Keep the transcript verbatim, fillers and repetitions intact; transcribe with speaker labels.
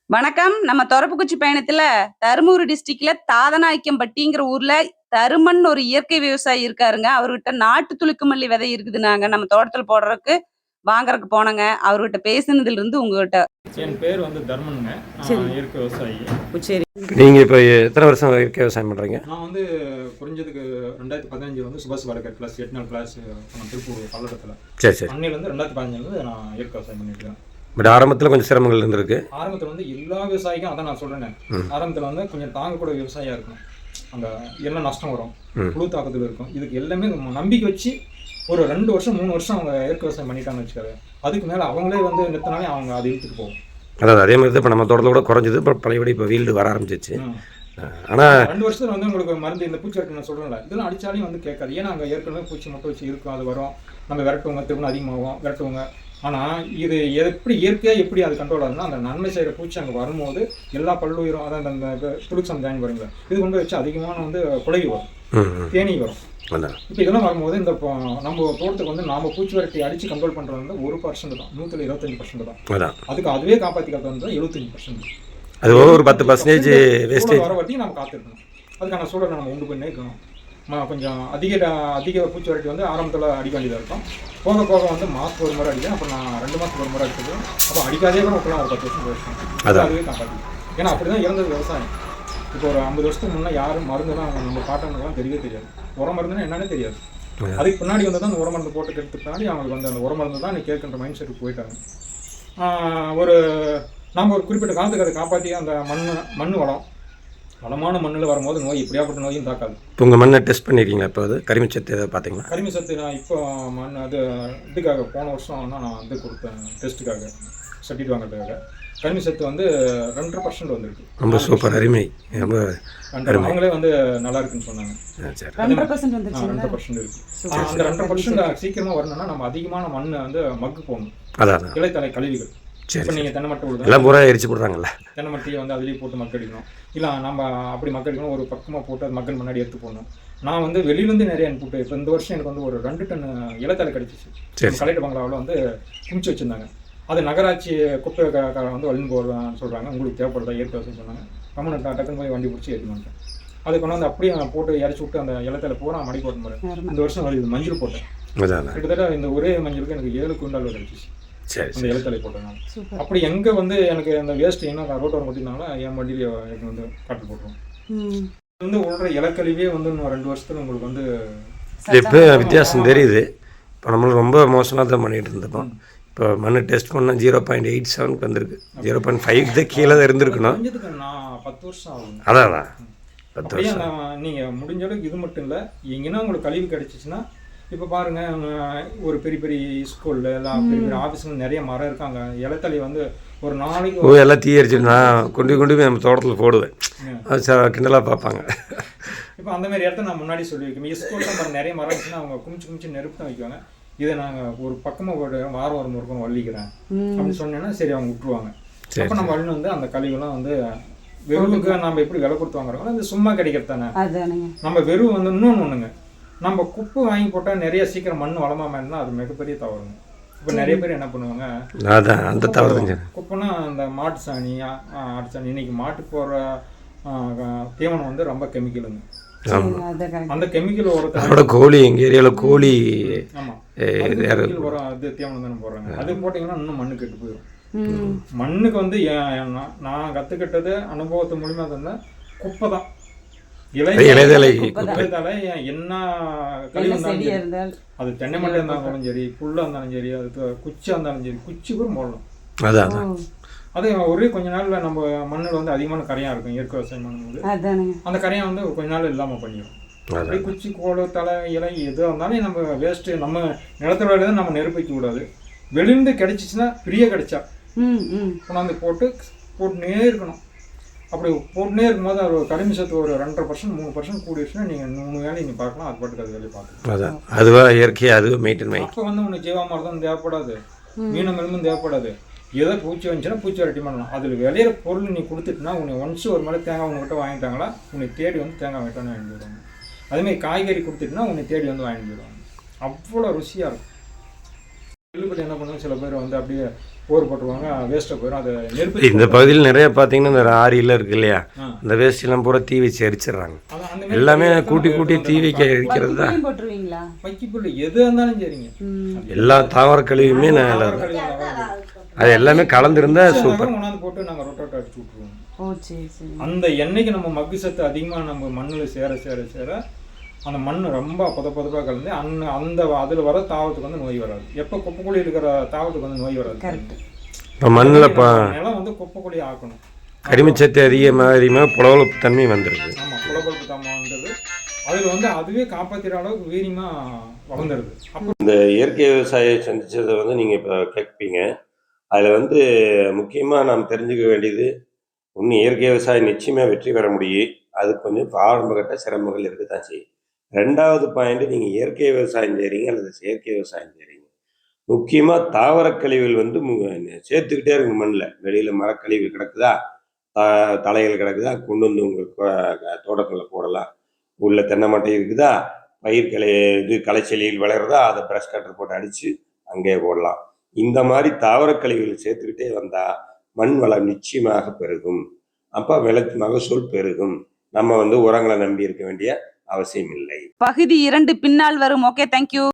Speaker 1: வணக்கம். நம்ம தொரப்புக்குச்சி பயணத்துல தருமபுரி டிஸ்ட்ரிக்ட்ல தாதநாயக்கம்பட்டிங்கிற ஊர்ல தருமன் ஒரு இயற்கை விவசாயி இருக்காருங்க. அவர்கிட்ட நாட்டு துளுக்குமல்லி விதை இருக்குதுன்னாங்க. நம்ம தோட்டத்துல போடுறதுக்கு வாங்குறதுக்கு போனோங்க. அவர்கிட்ட பேசுனதுல இருந்து உங்ககிட்ட.
Speaker 2: என் பேர் வந்து தர்மனுங்க.
Speaker 1: சரி.
Speaker 2: நான் இயற்கை விவசாயி.
Speaker 1: சரி.
Speaker 3: நீங்க இப்போ எத்தனை வருஷம் இயற்கை விவசாயம் பண்றீங்க?
Speaker 2: நான் வந்து குறைஞ்சதுக்கு ரெண்டாயிரத்தி பதினஞ்சு வந்து சுபாஷ் வடகர் கிளாஸ் எட்டு நாள் கிளாஸ் திருப்பூர் பல்லடத்தில்.
Speaker 3: சரி சரி.
Speaker 2: அன்னையிலேருந்து ரெண்டாயிரத்தி பதினஞ்சுலேருந்து நான் இயற்கை விவசாயம் பண்ணிட்டு இருக்கேன்.
Speaker 3: பட் ஆரம்பத்தில் கொஞ்சம் சிரமங்கள் இருந்திருக்கு.
Speaker 2: ஆரம்பத்தில் வந்து எல்லா விவசாயிக்கும் அதான் நான் சொல்கிறேன். ஆரம்பத்தில் வந்து கொஞ்சம் தாங்கக்கூட விவசாயியாக இருக்கணும். அந்த எல்லாம் நஷ்டம் வரும், புழு தாக்கத்தில் இருக்கும். இதுக்கு எல்லாமே நம்பிக்கை வச்சு ஒரு ரெண்டு வருஷம் மூணு வருஷம் அவங்க இயற்கை விவசாயம் பண்ணிட்டாங்கன்னு வச்சுக்காது. அதுக்கு மேலே அவங்களே வந்து நிறுத்தினாலே அவங்க அதை இழுத்துட்டு போகும்.
Speaker 3: அதாவது அதே மாதிரி தான் இப்போ நம்ம தோட்டத்தில் கூட குறைஞ்சது. இப்போ பழையபடி இப்போ வீல்டு வர ஆரம்பிச்சிச்சு. ஆனால்
Speaker 2: ரெண்டு வருஷத்துல வந்து உங்களுக்கு மருந்து இந்த பூச்சி வரட்டு நான் சொல்கிறேன்ல, இதெல்லாம் அடித்தாலையும் வந்து கேட்காது. ஏன்னா அங்கே ஏற்கனவே பூச்சி மட்டும் வச்சு இருக்கும், அது வரும், நம்ம விரட்டுவோங்க, திரும்ப அதிகமாகும், விரட்டுவோங்க. ஆனால் இது எப்படி இயற்கையாக எப்படி அது கண்ட்ரோல் ஆகுதுன்னா, அந்த நன்மை செய்கிற பூச்சி அங்கே வரும்போது எல்லா பல்லுயிரும் அதான் அந்த துளுக்சம் ஜாயின் வரீங்களா, இது கொண்டு வச்சு அதிகமான வந்து குலவி வரும், தேனி வரும். இப்போ இதெல்லாம் வரும்போது இந்த நம்ம தோட்டத்துக்கு வந்து நாம பூச்சி வரட்டி அடிச்சு கண்ட்ரோல் பண்ணுறது வந்து ஒரு பர்சன்ட் தான், நூற்றுல இருபத்தஞ்சு பர்சன்ட் தான். அதுக்கு அதுவே காப்பாற்றி காத்து வந்து எழுபத்தஞ்சு பர்சன்ட்.
Speaker 3: அது ஒரு பத்து பர்சன்டேஜ் வேஸ்டேஜ்
Speaker 2: வர வரைக்கும் நம்ம காத்திருக்கணும். அதுக்கான சூழலை நம்ம உண்டு பண்ணி இருக்கணும். கொஞ்சம் அதிக அதிக பூச்சி வரட்டி வந்து ஆரம்பத்தில் அடிக்க வேண்டியதாக இருக்கும். போக போக வந்து மாதத்துக்கு ஒரு முறை அடிக்கும். அப்புறம் நான் ரெண்டு மாதத்துக்கு ஒரு முறை அடிச்சது. அப்போ அடிக்காதே கூட விட்டுலாம் ஒரு பத்து வருஷம் போயிடுச்சு. அதுவே காப்பாற்றி. ஏன்னா அப்படி தான் இறந்தது விவசாயம். இப்போ ஒரு ஐம்பது வருஷத்துக்கு முன்னே யாரும் மருந்துலாம் நம்ம பாட்டவங்களுக்குலாம் தெரியவே தெரியாது. உர மருந்துன்னா என்னன்னே தெரியாது. அதுக்கு பின்னாடி வந்து தான் அந்த உர மருந்து போட்டு கெடுத்து பின்னாடி அவங்களுக்கு வந்து அந்த உர மருந்து தான் நீ கேட்குற மைண்ட் செட்டுக்கு போயிட்டாங்க. ஒரு நம்ம ஒரு குறிப்பிட்ட காலத்துக்கு அதை காப்பாற்றி அந்த மண் மண் வளம் வளமான மண்ணில் வரும்போது நோய் எப்படியாப்பட்ட நோயும் தாக்காது.
Speaker 3: இப்போ உங்கள் மண்ணை டெஸ்ட் பண்ணியிருக்கீங்களா? இப்போ அது கரிமச்சத்து எதாவது பார்த்தீங்களா?
Speaker 2: கரிமச்சத்து நான் இப்போ மண் அது இதுக்காக போன வருஷம் தான் நான் வந்து கொடுத்தேன் டெஸ்ட்டுக்காக, சர்டிஃபிகேட் வாங்குறதுக்காக. கரிமச்சத்து வந்து ரெண்டரை பர்சன்ட் வந்துருக்கு.
Speaker 3: ரொம்ப சூப்பர், அருமை. ரொம்ப
Speaker 2: அவங்களே வந்து நல்லா இருக்குன்னு சொன்னாங்க. ரெண்டரை பர்சன்ட் இருக்குது. அந்த ரெண்டரை பர்சன்ட் சீக்கிரமாக வரணும்னா நம்ம அதிகமான மண்ணை வந்து மக்கு போடணும். அதான் இலைத்தலை கழிவுகள். இப்போ நீங்கள் தென்னை மட்டை விடுங்க,
Speaker 3: எல்லாம் பூரா எரிச்சு போடுறாங்கல்ல,
Speaker 2: தென்னை மட்டையை வந்து அதுலேயே போட்டு மக்கடிக்கணும். இல்லை நம்ம அப்படி மக்கடிக்கணும், ஒரு பக்கமாக போட்டு அது மக்கள் முன்னாடி எடுத்து போடணும். நான் வந்து வெளியிலேருந்து நிறைய அனுப்பிவிட்டு இப்போ இந்த வருஷம் எனக்கு வந்து ஒரு ரெண்டு டன் இலைத்தலை கிடச்சிச்சு. கலெக்டர் பங்களாவில் வந்து குமிச்சு வச்சுருந்தாங்க. அது நகராட்சி குப்பை வந்து வழிந்து போடுறான்னு சொல்கிறாங்க. உங்களுக்கு தேவைப்படுறதா இயற்கை விவசாயம் சொன்னாங்க. கம்மன் டக்குன்னு போய் வண்டி பிடிச்சி ஏற்றி வந்துட்டேன். அது கொண்டு வந்து அப்படியே போட்டு இறச்சி விட்டு அந்த இலைத்தலை பூரா மடி போட்ட மாதிரி இந்த வருஷம் வருது. மஞ்சள் போட்டேன். கிட்டத்தட்ட இந்த ஒரே மஞ்சளுக்கு எனக்கு ஏழு குண்டால் கிடச்சிச்சு.
Speaker 3: சரி,
Speaker 2: அந்த இலைத்தலை போட்டேன். அப்படி எங்கே வந்து எனக்கு அந்த வேஸ்ட் என்ன ரோட்டோரம் கொட்டினாலும் என் வண்டியில எனக்கு வந்து காட்டு போட்டுருவோம். வந்து உள்ள இலக்கழிவே வந்து இன்னும் ரெண்டு வருஷத்துல உங்களுக்கு வந்து
Speaker 3: இப்போ வித்தியாசம் தெரியுது. இப்போ நம்மளும் ரொம்ப மோசமாக தான் பண்ணிகிட்டு இருந்தோம். இப்போ மண் டெஸ்ட் பண்ணால் ஜீரோ பாயிண்ட் எயிட் செவனுக்கு வந்திருக்கு. ஜீரோ பாயிண்ட் ஃபைவ் தான் கீழே தான் இருந்திருக்கணும்.
Speaker 2: நான் பத்து வருஷம் ஆகும்.
Speaker 3: அதான் அதான் பத்து வருஷம்.
Speaker 2: நீங்கள் முடிஞ்ச அளவுக்கு இது மட்டும் இல்லை, எங்கன்னா உங்களுக்கு கழிவு கிடைச்சிச்சுன்னா இப்போ பாருங்கள், ஒரு பெரிய பெரிய ஸ்கூலில் எல்லாம் பெரிய பெரிய ஆஃபீஸில் நிறைய மரம் இருக்காங்க. இலத்தலை வந்து ஒரு நாளைக்கு
Speaker 3: ஓ எல்லாம் தீ அரிச்சு நான் கொண்டு கொண்டு போய் நம்ம தோட்டத்தில் போடுவேன். அது சார் கிண்டலாக பார்ப்பாங்க.
Speaker 2: இப்போ அந்த மாதிரி இடத்த நான் முன்னாடி சொல்லி வைக்கணும். ஸ்கூலில் மரம் நிறைய மரம் இருந்துச்சுன்னா அவங்க குமிச்சு குமிச்சு நெருப்பு தான் வைக்குவாங்க. இதை நாங்கள் ஒரு பக்கமாக ஒரு வாரம் ஒரு முருக்கம் வள்ளிக்கிறேன் அப்படின்னு சொன்னேன்னா சரி அவங்க விட்டுருவாங்க. அப்போ நம்ம வள்ளி வந்து அந்த கழிவுலாம் வந்து வெறுவுக்கு நம்ம எப்படி விலை கொடுத்து வாங்குறோம், அது சும்மா கிடைக்கிறது தானே. நம்ம வெறுவு வந்து இன்னொன்று ஒன்றுங்க, நம்ம குப்பை வாங்கி போட்டால் நிறைய சீக்கிரம் மண் வளமாக இருந்தால் அது மிகப்பெரிய தவறுங்க. இப்போ நிறைய பேர் என்ன பண்ணுவாங்க,
Speaker 3: அதான் அந்த தவறு.
Speaker 2: குப்பைனா அந்த மாட்டு சாணி ஆட்டு சாணி, இன்னைக்கு மாட்டுக்கு போடுற தீவனம் வந்து ரொம்ப கெமிக்கலுங்க. அந்த கெமிக்கல் உரத்தை
Speaker 3: கோழி எங்கள் ஏரியாவில் கோழி
Speaker 2: ஆமாம் உரம் அது தீவனம் தானே போடுறாங்க. அது போட்டிங்கன்னா இன்னும் மண்ணு கெட்டு போயிடும். மண்ணுக்கு வந்து நான் கற்றுக்கிட்டது அனுபவத்து மூலியமா இருந்தால் குப்பை தான். இலைதலை என்ன கழிவு இருந்தாலும் அது தென்னை மட்டை இருந்தாலும் சரி, புல்லா இருந்தாலும் சரி, அது குச்சியா இருந்தாலும் சரி, குச்சி கூட போடலாம்.
Speaker 3: அதான்
Speaker 2: அது ஒரே கொஞ்ச நாள்ல நம்ம மண்ணில் வந்து அதிகமான கரையா இருக்கும். இயற்கை விவசாயம் பண்ணும்போது அந்த கரையா வந்து கொஞ்ச நாள் இல்லாம பண்ணிடும். அப்படியே குச்சி கோடு தலை இலை எது இருந்தாலும் நம்ம வேஸ்ட் நம்ம நிலத்தோட தான் நம்ம நெருப்பிக்க கூடாது. வெளியிருந்து கிடைச்சிச்சுன்னா ஃப்ரீயா கிடைச்சா கொண்டாந்து போட்டு போட்டுனே இருக்கணும். அப்படி போட்டுனே இருக்கும்போது ஒரு கரிம சத்து ஒரு ரெண்டரை பர்சன்ட் மூணு பர்சன்ட் கூடிடுச்சுன்னா நீங்கள் மூணு வேலையை நீங்கள் பார்க்கலாம். அது பாட்டுக்கு அது வேலையை பார்க்கலாம்.
Speaker 3: அதான் அதுவாக இயற்கையாக அதுவும் மெயின்டைன் பண்ணி.
Speaker 2: அப்போ வந்து உனக்கு ஜீவாமிர்தம் தேவைப்படாது, மீனம் எலும்பும் தேவைப்படாது. ஏதோ பூச்சி வந்துச்சுன்னா பூச்சி வரட்டி பண்ணலாம். அதில் விளையிற பொருள் நீ கொடுத்துட்டுனா உனக்கு ஒன்ஸ் ஒரு மாதிரி தேங்காய் உங்ககிட்ட வாங்கிட்டாங்களா உன்னை தேடி வந்து தேங்காய் வாங்கிட்டானு வாங்கிட்டு போயிடுவாங்க. அதேமாதிரி காய்கறி கொடுத்துட்டுனா உன்னை தேடி வந்து வாங்கிட்டு போயிடுவாங்க. அவ்வளோ ருசியாக இருக்கும். நெல்லுப்பட்டு என்ன பண்ணுவாங்க, சில பேர் வந்து அப்படியே போர் போட்டுருவாங்க, வேஸ்ட்டாக போயிடும். அதை நெருப்பு
Speaker 3: இந்த பகுதியில் நிறைய பார்த்தீங்கன்னா இந்த ஆரியெல்லாம் இருக்கு இல்லையா,
Speaker 2: ஆ.
Speaker 3: இந்த வேஸ்ட்லாம் பூரா தீ வச்சு எரிச்சிடுறாங்க.
Speaker 2: அதான் அந்த மாதிரி
Speaker 3: எல்லாமே
Speaker 2: எத்தனை
Speaker 3: கூட்டி கூட்டி
Speaker 2: எடுத்து
Speaker 3: தீ
Speaker 2: வந்து
Speaker 3: வைக்க எரிக்கிறது தான்.
Speaker 1: வைக்கப்புள்ளையும் போட்டுருவீங்களா?
Speaker 2: வைக்கப்புல் எது இருந்தாலும் சரிங்க.
Speaker 1: ம்.
Speaker 3: எல்லா தாவர கழிவுமே நான்
Speaker 2: தாவர கழிவு அதாவது
Speaker 3: அது எல்லாமே கலந்துருந்தா சூப்பர்.
Speaker 2: கொண்டாந்து போட்டு நாங்கள் ரொட்டோட்டை அடிச்சு விட்ருவோம்.
Speaker 1: ஓ சரி சரி.
Speaker 2: அந்த எண்ணெய்க்கு நம்ம மக்கு சத்து அதிகமாக நம்ம மண்ணில் சேர சேர சேர அந்த மண் ரொம்ப பொத பொதப்பாக கலந்து அந்த அந்த அதில் வர தாவத்துக்கு வந்து நோய் வராது. எப்போ குப்பைக்குழி இருக்கிற தாவத்துக்கு வந்து நோய் வராது.
Speaker 1: கரெக்ட்.
Speaker 3: இப்போ மண்ணில் இப்போ
Speaker 2: நிலம் வந்து குப்பைக்குழி ஆக்கணும்.
Speaker 3: கரிமச்சத்து அதிகமாக அதிகமாக புலவலப்பு தன்மை வந்துடுது.
Speaker 2: ஆமாம், புலப்பொழுப்பு தாமா வந்தது. அதில் வந்து அதுவே காப்பாற்றுற அளவுக்கு வீரியமாக வளர்ந்துருது. அப்போ
Speaker 3: இந்த இயற்கை விவசாயம் சந்திச்சதை வந்து நீங்கள் இப்போ கேட்பீங்க. அதில் வந்து முக்கியமாக நாம் தெரிஞ்சுக்க வேண்டியது, ஒன்று இயற்கை விவசாயம் நிச்சயமாக வெற்றி பெற முடியும். அது கொஞ்சம் ஆரம்பகட்ட சிரமங்கள் இருக்க தான் செய்யும். ரெண்டாவது பாயிண்ட், நீங்கள் இயற்கை விவசாயம் செய்கிறீங்க அல்லது செயற்கை விவசாயம் செய்கிறீங்க, முக்கியமாக தாவர கழிவுகள் வந்து மு- சேர்த்துக்கிட்டே இருக்கு மண்ணில். வெளியில் மரக்கழிவு கிடக்குதா, த- தலைகள் கிடக்குதா, கொண்டு வந்து உங்கள் தோட்டத்தில் போடலாம். உள்ள தென்னை மட்டை இருக்குதா, பயிர் களை இது களைச்செடியில் வளருதா, அதை ப்ரஷ் கட்டர் போட்டு அடித்து அங்கேயே போடலாம். இந்த மாதிரி தாவர கழிவுகள் சேர்த்துக்கிட்டே வந்தால் மண் வளம் நிச்சயமாக பெருகும். அப்போ விளை மகசூல் பெருகும். நம்ம வந்து உரங்களை நம்பி இருக்க வேண்டிய அவசியம் இல்லை.
Speaker 1: பகுதி இரண்டு பின்னால் வரும். Okay, thank you.